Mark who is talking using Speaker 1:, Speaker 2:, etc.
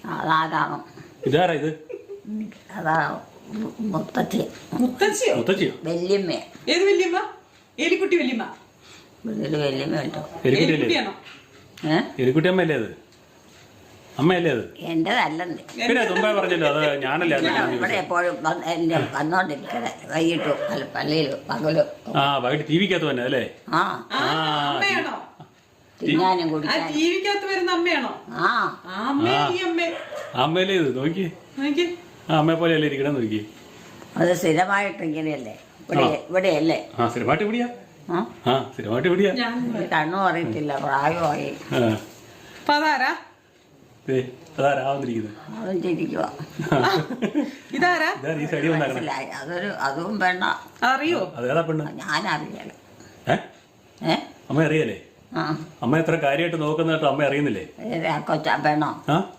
Speaker 1: അതാരാണോ?
Speaker 2: ഇതാരാ ഇത്?
Speaker 1: അതാ മുത്തച്ഛി.
Speaker 3: മുത്തച്ഛിയോ?
Speaker 2: മുത്തച്ഛിയോ?
Speaker 1: വല്യമ്മ.
Speaker 3: ഏത് വല്യമ്മ? എലിക്കുട്ടി വല്യമ്മ.
Speaker 1: വീട്ടില് വല്യമ്മ ഉണ്ടോ?
Speaker 3: എലിക്കുട്ടിയാണോ?
Speaker 2: എലിക്കുട്ടി അമ്മയല്ലേ അത്? അമ്മയല്ലേ അത്?
Speaker 1: എന്റേതല്ലെന്ന്.
Speaker 2: പിന്നെ തുമ്പ പറഞ്ഞല്ലോ, അത് ഞാനല്ലേ അത്.
Speaker 1: ഇവിടെ എപ്പോഴും എന്റെ വന്നോണ്ടിരിക്കണേ വൈകിട്ടും അല്ല പള്ളിയിലും പകലും.
Speaker 2: ആ വൈകിട്ട് ടി വിക്കകത്ത് തന്നെ അല്ലേ?
Speaker 1: ആ
Speaker 3: അമ്മയാണോ?
Speaker 1: തിന്നാനും
Speaker 3: ആ
Speaker 1: കുടിക്കാനും.
Speaker 3: ടിവിക്കകത്ത് വരുന്ന അമ്മയാണോ?
Speaker 1: ആ
Speaker 3: അമ്മേ ഈ അമ്മേ
Speaker 2: അമ്മയല്ലേ ഇത്? നോക്കി
Speaker 3: നോക്കി.
Speaker 2: ആ അമ്മയെ പോലെയല്ലേ ഇരിക്കണം, നോക്കി.
Speaker 1: അത് സ്ഥിരമായിട്ട് ഇങ്ങനെയല്ലേ ഇവിടെയല്ലേ?
Speaker 2: ആ സ്ഥിരമായിട്ട് ഇവിടെയാ.
Speaker 1: ആ
Speaker 2: ആ സ്ഥിരമായിട്ട് ഇവിടെയാ.
Speaker 1: ഇത് കണ്ണും അറിയത്തില്ല, പ്രായമായി.
Speaker 3: അപ്പൊ അതാരാ?
Speaker 2: അതാരാ വന്നിരിക്കുന്നത്?
Speaker 1: അതും ചിരിക്കുക.
Speaker 3: ഇതാരാ?
Speaker 2: ഇതാ ഈ സൈഡിൽ വന്നാക്കണം.
Speaker 1: മനസ്സിലായി. അതും വേണ്ട.
Speaker 3: അറിയോ?
Speaker 2: അതേതാ പെണ്ണ്?
Speaker 1: ഞാനറിയല.
Speaker 2: അമ്മ അറിയാലേ?
Speaker 1: ആ
Speaker 2: അമ്മ എത്ര കാര്യമായിട്ട് നോക്കുന്നതായിട്ട് അമ്മ അറിയുന്നില്ലേ?
Speaker 1: കൊച്ച വേണോ?
Speaker 2: ആ